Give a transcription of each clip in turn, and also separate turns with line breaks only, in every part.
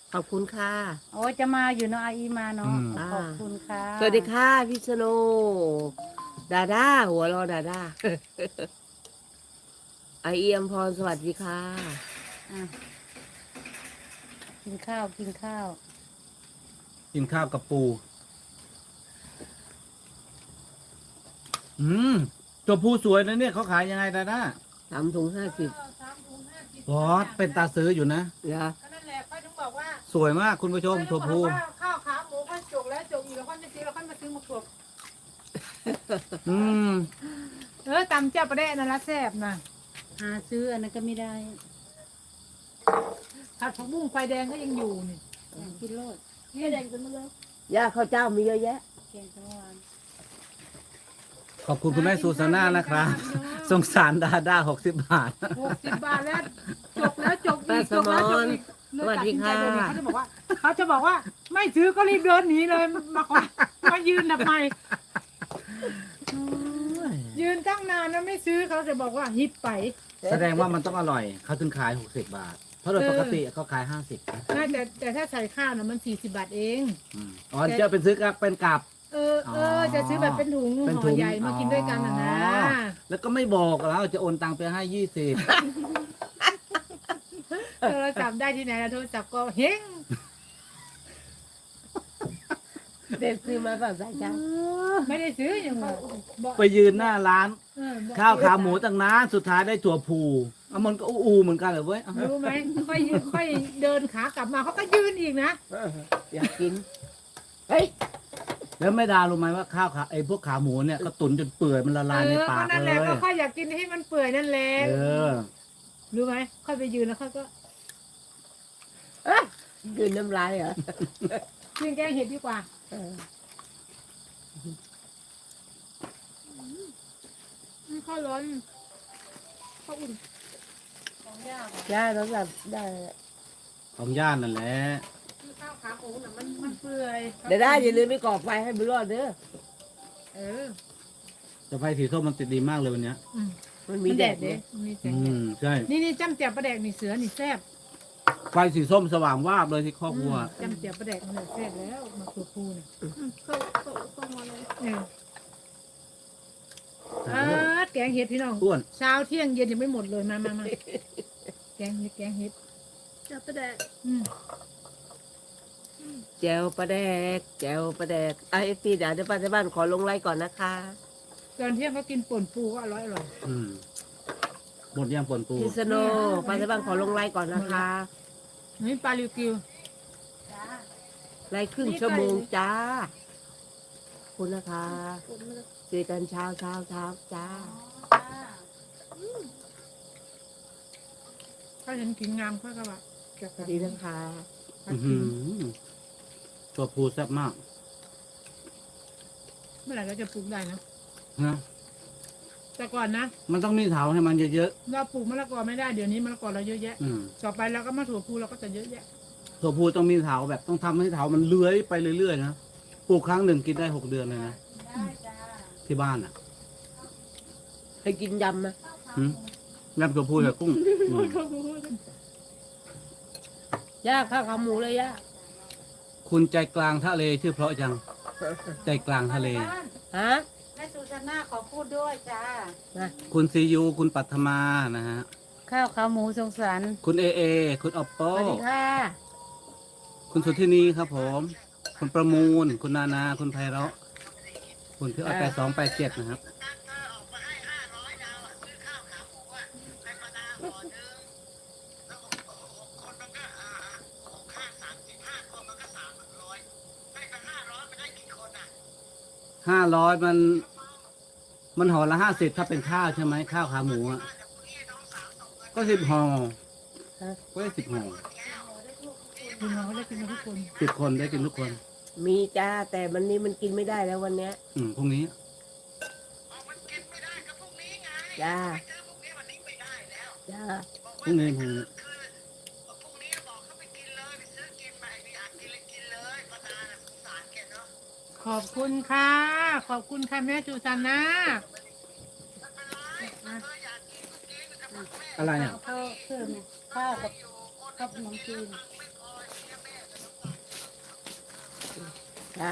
ขอบคุณค่ะ
โอ้จะมาอยู่เนาะอาอีมาเนาะ
อ่า
ขอบคุณค่ะ
สวัสดีค่ะพี่สโนดาด้าหัวเรอดาด้า ไอเอียมพรสวัสดีค่ะ
อ่ะกินข้าวกินข้าว
กินข้าวกับปูตัวผู้สวยนะเนี่ยเขาขายยังไงดาด้า
3 ถุง 50
บอสเป็นตาซื้ออยู่นะ
เหรอ
ก็นั่นแหละค่อยถึงบอกว่า
สวยมากคุณผู้ชมตัวผู้
ข้าวขาหมูค่อยจกแล้วจกอีกแล้วค่อยจะซื้อแล้วค่อยมาซื้อมาขวบ
อืม
ตำเจ้าประเดะนั่นละแซ่บนะ
หาซื้ออันนั้นก็ไม่ได้
ผัดผักบุ้งไฟแดงก็ยังอยู่นี่
อยากกินโลด
ไฟแดงจนมาเลย
ย่าข้าวเจ้ามีเยอะแยะ
แกงทั้งวัน
ขอบคุณคุณแม่ซูซาน่านะครับสงสารดาด้า60 บาท
60 บาทแล้วจกแล้วจกอีกจกแล้วจกอีก
สวัสดีค่ะ
เขาจะบอกว่าไม่ซื้อก็รีบเดินหนีเลยมาขอมายืนทำไมยืนตั้งนานแล้วไม่ซื้อเขาจะบอกว่าฮิปไป
แสดงว่ามันต้องอร่อยเขาถึงขาย60 บาท เพราะโดยปกติเขาขาย50นะ
แต่ถ้าใส่ข้าวน่ะมัน40 บาทเอง
อ๋อเจ้าเป็นซื้อกับเป็นกับ
จะซื้อแบบเป็นถุง
เป็น
ห่
ถุ
อง ใหญ่มากินด้วยกันนะ
แล้วก็ไม่บอกแล้วจะโอนตังไปให้20
โทรศัพท์ได้ที่ไหนล่ะโทรศัพท์ก็เฮง
เด็ดซื้อมาแบบใส่จ้า
ไม่ได้ซื้ออย่างบอก
ไปยืนหน้าร้าน
บอก
ข้าวขาหมูตั้งนานสุดท้ายได้ถั่วพูเอามันก็อูเหมือนกันเลยเว้ย
รู้ไหมค่อยเดินขากลับมาเขาก็ยืนอีกนะ
อยากกิน เฮ้ย
แล้วแม่ดารู้ไหมว่าข้าวขาไอ้พวกขาหมูเนี่ยก็ตุ๋นจนเปื่อยมันละลายในปาก
นั่นแห
เล
ละ
ย
ก็ค่อยอยากกินให้มันเปื่อยนั่นแหละ
เออ
รู้ไหมค่อยไปยืนแล้วค่อยก็
กินน้ำลายเหรอ
กินแกงเห็ดดีกว่า
เออ
ข้าวร้อนข้าวอุ่น
ย่าโทรศัพท์ได้
ของย่านนั่นแหละ
ข้าวขาหมูน่ะมันเปื่อย
เดี๋ยวได้อย่าลืมไปก่อไฟให้บุญรอดเด้อ
เออ
จะไฟสีส้มมันติดดีมากเลยวันเนี้ย
มันมีแดด
เด้
เด้
มีแส
อื
งแดด
มใช่
นี่จ้ำเจียวปลาแดกนี่เสือนี่แซ่บ
ไฟสีส้มสว่างวาบเลยที่ครอบครัว
จ้ำเจียวปลาแดกมันเลยแซ่บแล้วมาตัวพูเนี่ยแกงเห็ดพี่น้อง
อ้วน
เช้าเที่ยงเย็นยังไม่หมดเลยมาแกงเห็ด
จะประแดก
แจวปลาแดกแจวปลาแดกเอฟซีเดี๋ยวป้าที่บ้านขอลงไลน์ก่อนนะคะ
ตอนเที่ยงก็กินป่นปูก็อร่อย
อืมหมดย่างป่นปู
พี่สโนป้าที่บ้านขอลงไลน์ก่อนนะคะ
นี่ปลาลิวกิว
ไลน์ครึ่งชั่วโมงจ้าขอบคุณนะคะเจอกันเช้าจ้า
ถ้าเห็นกินงามค่อยก็ว่าจะ
สวัสดีนะคะ
อื้อหือตัวปูแซ่บมาก
เมื่อไหร่เราจะปลูกได้นะ
นะ
แต่ก่อนนะ
มันต้องมีเถาให้มันเยอะ
เราปลูกมะละกอไม่ได้เดี๋ยวนี้มะละกอเราเยอะแยะ
ๆอืม
ต่อไปเราก็มาถั่วพูเราก็จะเยอะแยะ
ตัวปูต้องมีเถาแบบต้องทำให้เถามันเลื้อยไปเรื่อยๆนะปลูกครั้งหนึ่งกินได้6 เดือนเลยนะที่บ้านอ่ะ
ให้กินยำนะ
หืมยำตัวปูกับกุ้งอืม
ย่าข้าวขาหมูเลยย่า
คุณใจกลางทะเลชื่อเพราะจัง ใจกลางทะเล
ฮะ
แม่สุชานาขอพูดด้วยจ้า
คุณซียูคุณปัทมานะฮะ
ข้าวขาหมูสงสาร
คุณเอเอ คุณออปโป
สวัสดีค่ะ
คุณสุทธินีครับผม คุณประมูล คุณนานา คุณไพเราะคุณที่8287นะครับ 500มันห่อละ50ถ้าเป็นข้าวใช่ไหมข้าวขาหมูอ่ะก็10 ห่อก็ได้10 ห่อ
คุณเราก็ได้กินกันทุกคน
10 คนได้กินทุกคน
มีจ้าแต่วันนี้มันกินไม่ได้แล้ววันเนี้ย
พรุ่งนี้
จ้าจ้า
พรุ่งนี้
ขอบคุณค่ะขอบคุณค่ะแม่จูซาน่า
อะไรอ่ะ
ข้าวเพิ่มเนี่ยข้าวกับขนมจีน
จ้า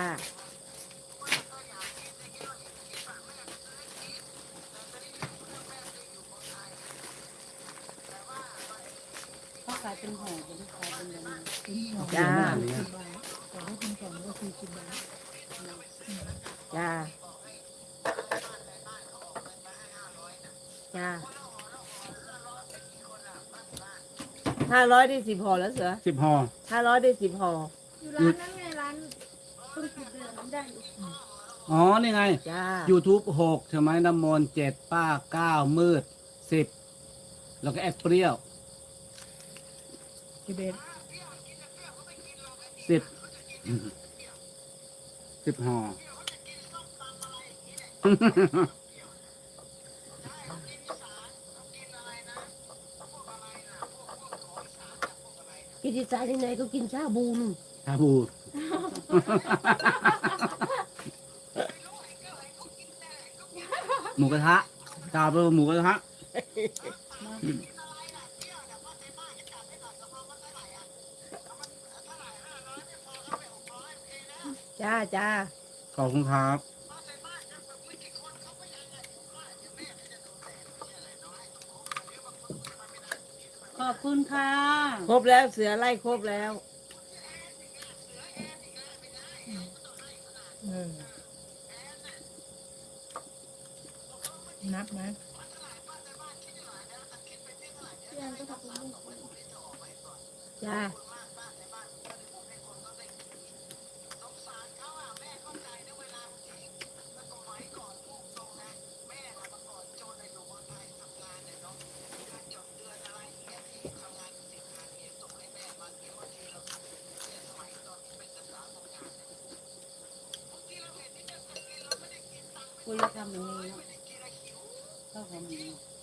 เขาขายเป็นห่อเป็นขายเป็นแบบนี้
จ้า
อันนี้
แต่ถ้าคุณก่อนก็คือกินได้
จ้า จ้า500ได้10ห่อแล้วเสือ
10ห่อ
500ได้10ห่อ
อยู่ร้านนั้นไงร้านต้นขุดเดินได้อยู่
อ๋อ นี่ไง
จ้า
YouTube 6ใช่ไหมน้ำมนต์7ป้า9มืด10แล้วก็แอดเปรี้ยว
กิเบน
10ห่อ
กินที่สายที่ไหนก็กินชาบูน
ชาบู หมูกระทะกาวเป็นหมูกระทะ
จ้าจ้า
ขอบคุณครับ
ขอบคุณค่ะ
ครบแล้วเสือไล่ครบแล้ว
นับไหม
พี่แอนก็ทำบุญ
จ้า
คุยแล้วทำอย่างนี้เนาะข้าวขาหมู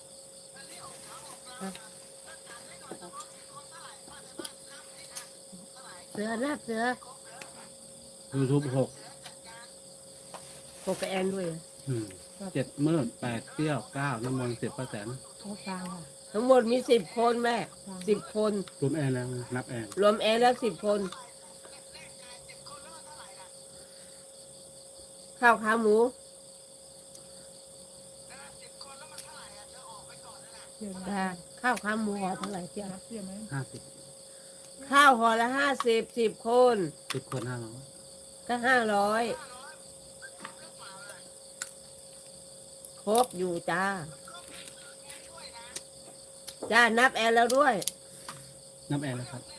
เสือนับเสือ
YouTube 6
โปกบแอนด้วย
7มืด8เปรี้ยว9น้ำมนต์10ป้าแตน
โอ้ฟังค่ะ
ทั้งหมดมี10 คนแม่10 คน
รวมแอนแล้วนับแอน
รวมแอนแล้ว10 คน ข้าวขาหมู
เชื่อไหม
จ้าข้าวขาหมูห่อเท่าไหร่เจ้า
นับเชื่อไหม
50
ข้าวห่อละ50 10 คน
10คน500
ก็500ครบอยู่จ้า จ้านับแอนแล้วด้วย
นับแอนแล้วครับ